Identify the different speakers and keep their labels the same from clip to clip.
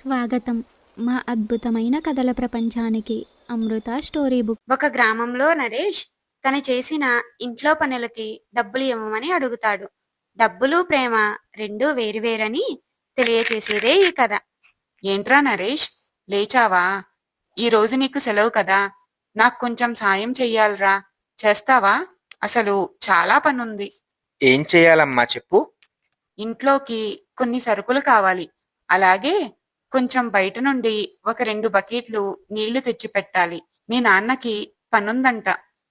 Speaker 1: స్వాగతం మా అద్భుతమైన కథల ప్రపంచానికి. Amrutha story book.
Speaker 2: ఒక గ్రామంలో నరేష్ తను చేసిన ఇంట్లో పనులకి డబ్బులు ఇవ్వమని అడుగుతాడు. డబ్బులు ప్రేమ రెండూ వేరువేరని తెలియచేసేదే ఈ కథ.
Speaker 3: ఏంట్రా నరేష్, లేచావా? ఈ రోజు నీకు సెలవు కదా, నాకు కొంచెం సాయం చెయ్యాలరా, చేస్తావా? అసలు చాలా పనుంది.
Speaker 4: ఏం చేయాలమ్మా చెప్పు.
Speaker 3: ఇంట్లోకి కొన్ని సరుకులు కావాలి, అలాగే కొంచెం బయట నుండి ఒక 2 బకెట్లు నీళ్లు తెచ్చి పెట్టాలి. మీ నాన్నకి పనుందంట.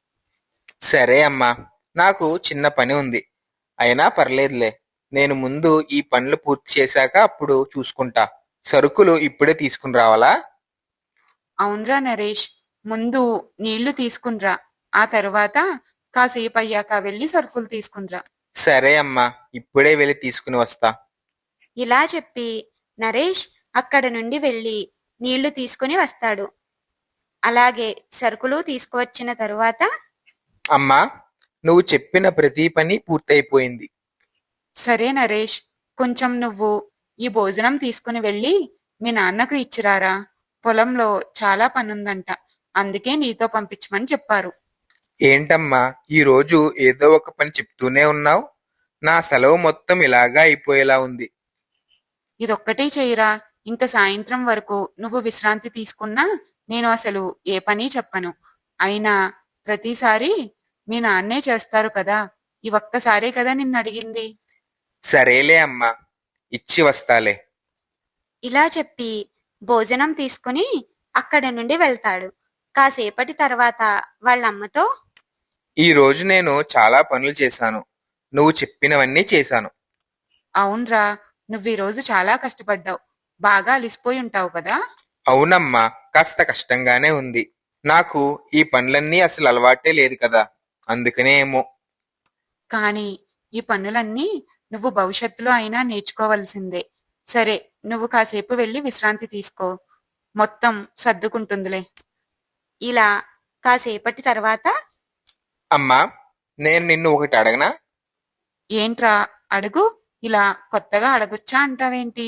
Speaker 4: సరే అమ్మా, నాకు చిన్న పని ఉంది. అయినా పర్లేదులే, నేను ముందు ఈ పనులు పూర్తి చేశాక అప్పుడు చూసుకుంటా. సరుకులు ఇప్పుడే తీసుకుని రావాలా?
Speaker 3: అవునరా నరేష్, ముందు నీళ్లు తీసుకునిరా, ఆ తరువాత కాసేపు అయ్యాక వెళ్ళి సరుకులు తీసుకునిరా.
Speaker 4: సరే అమ్మా, ఇప్పుడే వెళ్ళి తీసుకుని వస్తా.
Speaker 2: ఇలా చెప్పి నరేష్ అక్కడ నుండి వెళ్ళి నీళ్లు తీసుకుని వస్తాడు. అలాగే సరుకులు తీసుకువచ్చిన తరువాత,
Speaker 4: అమ్మా, నువ్వు చెప్పిన ప్రతి పని పూర్తయిపోయింది.
Speaker 3: సరే నరేష్, కొంచెం నువ్వు ఈ భోజనం తీసుకుని వెళ్ళి మీ నాన్నకు ఇచ్చిరారా. పొలంలో చాలా పనుందంట, అందుకే నీతో పంపించమని చెప్పారు.
Speaker 4: ఏంటమ్మా, ఈ రోజు ఏదో ఒక పని చెప్తూనే ఉన్నావు. నా సెలవు మొత్తం ఇలాగా అయిపోయేలా ఉంది.
Speaker 3: ఇదొక్కటే చెయ్యరా, ఇంక సాయంత్రం వరకు నువ్వు విశ్రాంతి తీసుకున్నా నేను అసలు ఏ పని చెప్పను. అయినా ప్రతిసారి మీ నాన్నే చేస్తారు కదా, ఈ ఒక్కసారే కదా నిన్ను అడిగింది.
Speaker 4: సరేలే అమ్మా, ఇచ్చి వస్తాలే.
Speaker 2: ఇలా చెప్పి భోజనం తీసుకుని అక్కడ నుండి వెళ్తాడు. కాసేపటి తర్వాత వాళ్ళమ్మతో,
Speaker 4: ఈ రోజు నేను చాలా పనులు చేశాను. నువ్వు చెప్పినవన్నీ చేశాను.
Speaker 3: అవునరా, నువ్వు ఈ రోజు చాలా కష్టపడ్డావు, బాగా అలిసిపోయి ఉంటావు కదా.
Speaker 4: అవునమ్మా, కాస్త కష్టంగానే ఉంది. నాకు ఈ పనులన్నీ అసలు అలవాటే లేదు కదా, అందుకనే ఏమో.
Speaker 3: కానీ ఈ పనులన్నీ నువ్వు భవిష్యత్తులో అయినా నేర్చుకోవలసిందే. సరే, నువ్వు కాసేపు వెళ్ళి విశ్రాంతి తీసుకో, మొత్తం సర్దుకుంటుందిలే.
Speaker 2: ఇలా కాసేపటి తర్వాత,
Speaker 4: అమ్మా, నేను నిన్ను ఒకటి అడగనా?
Speaker 3: ఏంట్రా, అడుగు. ఇలా కొత్తగా అడగొచ్చా అంటావేంటి?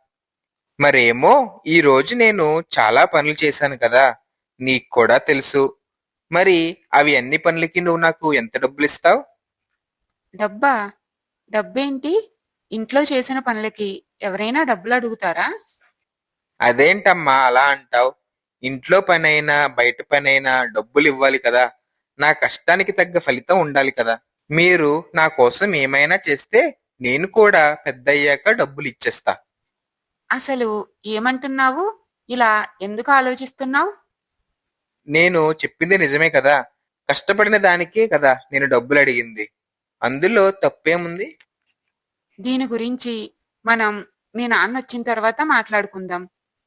Speaker 4: మరేమో, ఈ రోజు నేను చాలా పనులు చేశాను కదా, నీకు కూడా తెలుసు. మరి అవి అన్ని పనులకి నువ్వు నాకు ఎంత డబ్బులు ఇస్తావు?
Speaker 3: డబ్బా? డబ్బేంటి? ఇంట్లో చేసిన పనులకి ఎవరైనా డబ్బులు అడుగుతారా?
Speaker 4: అదేంటమ్మా అలా అంటావు? ఇంట్లో పనైనా బయట పనైనా డబ్బులు ఇవ్వాలి కదా. నా కష్టానికి తగ్గ ఫలితం ఉండాలి కదా. మీరు నా కోసం ఏమైనా చేస్తే నేను కూడా పెద్దయ్యాక డబ్బులు ఇచ్చేస్తా.
Speaker 3: అసలు ఏమంటున్నావు? ఇలా ఎందుకు ఆలోచిస్తున్నావు?
Speaker 4: నేను చెప్పింది నిజమే కదా. కష్టపడిన దానికే కదా నేను డబ్బులు అడిగింది. అందులో తప్పేముంది?
Speaker 3: దీని గురించి మనం మీ నాన్న వచ్చిన తర్వాత మాట్లాడుకుందాం.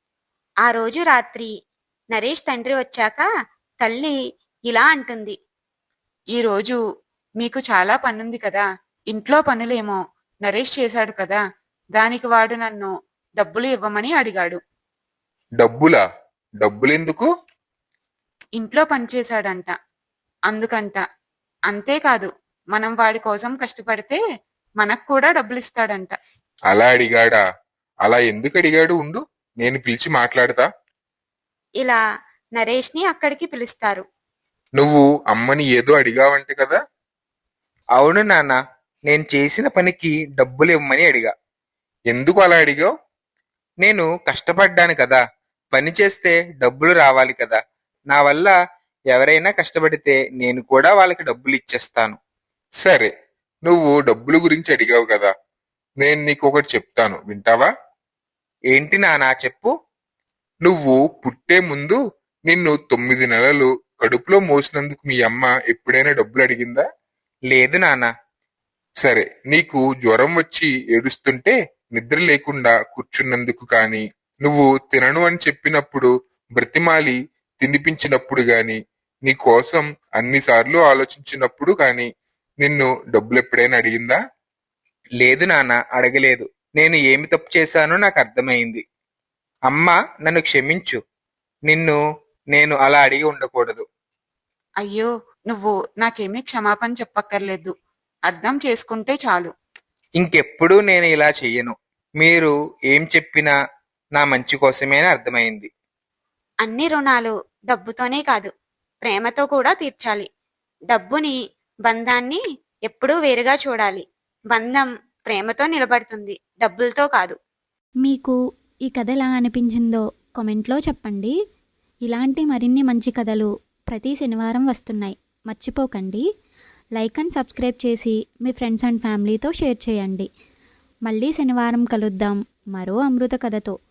Speaker 2: ఆ రోజు రాత్రి నరేష్ తండ్రి వచ్చాక తల్లి ఇలా అంటుంది.
Speaker 3: ఈరోజు మీకు చాలా పనుంది కదా, ఇంట్లో పనులేమో నరేష్ చేశాడు కదా, దానికి వాడు నన్ను డబ్బులు ఇవ్వమని అడిగాడు.
Speaker 4: డబ్బులా? డబ్బులెందుకు?
Speaker 3: ఇంట్లో పని చేశాడంట, అందుకంట. అంతేకాదు, మనం వాడి కోసం కష్టపడితే మనకు కూడా డబ్బులు ఇస్తాడంట.
Speaker 5: అలా అడిగాడా? అలా ఎందుకు అడిగాడు? ఉండు, నేను పిలిచి మాట్లాడతా.
Speaker 2: ఇలా నరేష్ ని అక్కడికి పిలుస్తారు.
Speaker 5: నువ్వు అమ్మని ఏదో అడిగావంట కదా.
Speaker 4: అవును నాన్న, నేను చేసిన పనికి డబ్బులు ఇవ్వమని అడిగా.
Speaker 5: ఎందుకు అలా అడిగావు?
Speaker 4: నేను కష్టపడ్డాను కదా, పని చేస్తే డబ్బులు రావాలి కదా. నా వల్ల ఎవరైనా కష్టపడితే నేను కూడా వాళ్ళకి డబ్బులు ఇచ్చేస్తాను.
Speaker 5: సరే, నువ్వు డబ్బుల గురించి అడిగావు కదా, నేను నీకు ఒకటి చెప్తాను, వింటావా?
Speaker 4: ఏంటి నాన్న, చెప్పు.
Speaker 5: నువ్వు పుట్టే ముందు నిన్ను 9 నెలలు కడుపులో మోసినందుకు మీ అమ్మ ఎప్పుడైనా డబ్బులు అడిగిందా?
Speaker 4: లేదు నాన్న.
Speaker 5: సరే, నీకు జ్వరం వచ్చి ఏడుస్తుంటే నిద్ర లేకుండా కూర్చున్నందుకు కానీ, నువ్వు తినను అని చెప్పినప్పుడు బ్రతిమాలి తినిపించినప్పుడు గాని, నీ కోసం అన్నిసార్లు ఆలోచించినప్పుడు కానీ నిన్ను డబ్బులు ఎప్పుడైనా అడిగిందా?
Speaker 4: లేదు నాన్న, అడగలేదు. నేను ఏమి తప్పు చేశానో నాకు అర్థమైంది. అమ్మా, నన్ను క్షమించు. నిన్ను నేను అలా అడిగి ఉండకూడదు.
Speaker 3: అయ్యో, నువ్వు నాకేమీ క్షమాపణ చెప్పక్కర్లేదు, అర్థం చేసుకుంటే చాలు.
Speaker 4: ఇంకెప్పుడూ నేను ఇలా చెయ్యను. మీరు ఏం చెప్పినా నా మంచి కోసమే అని అర్థమైంది.
Speaker 2: అన్ని రుణాలు డబ్బుతోనే కాదు, ప్రేమతో కూడా తీర్చాలి. డబ్బుని, బంధాన్ని ఎప్పుడూ వేరుగా చూడాలి. బంధం ప్రేమతో నిలబడుతుంది, డబ్బులతో కాదు.
Speaker 1: మీకు ఈ కథ ఎలా అనిపించిందో కామెంట్లో చెప్పండి. ఇలాంటి మరిన్ని మంచి కథలు ప్రతి శనివారం వస్తున్నాయి, మర్చిపోకండి. లైక్ అండ్ సబ్స్క్రైబ్ చేసి మీ ఫ్రెండ్స్ అండ్ ఫ్యామిలీతో షేర్ చేయండి. మళ్ళీ శనివారం కలుద్దాం మరో అమృత కథతో.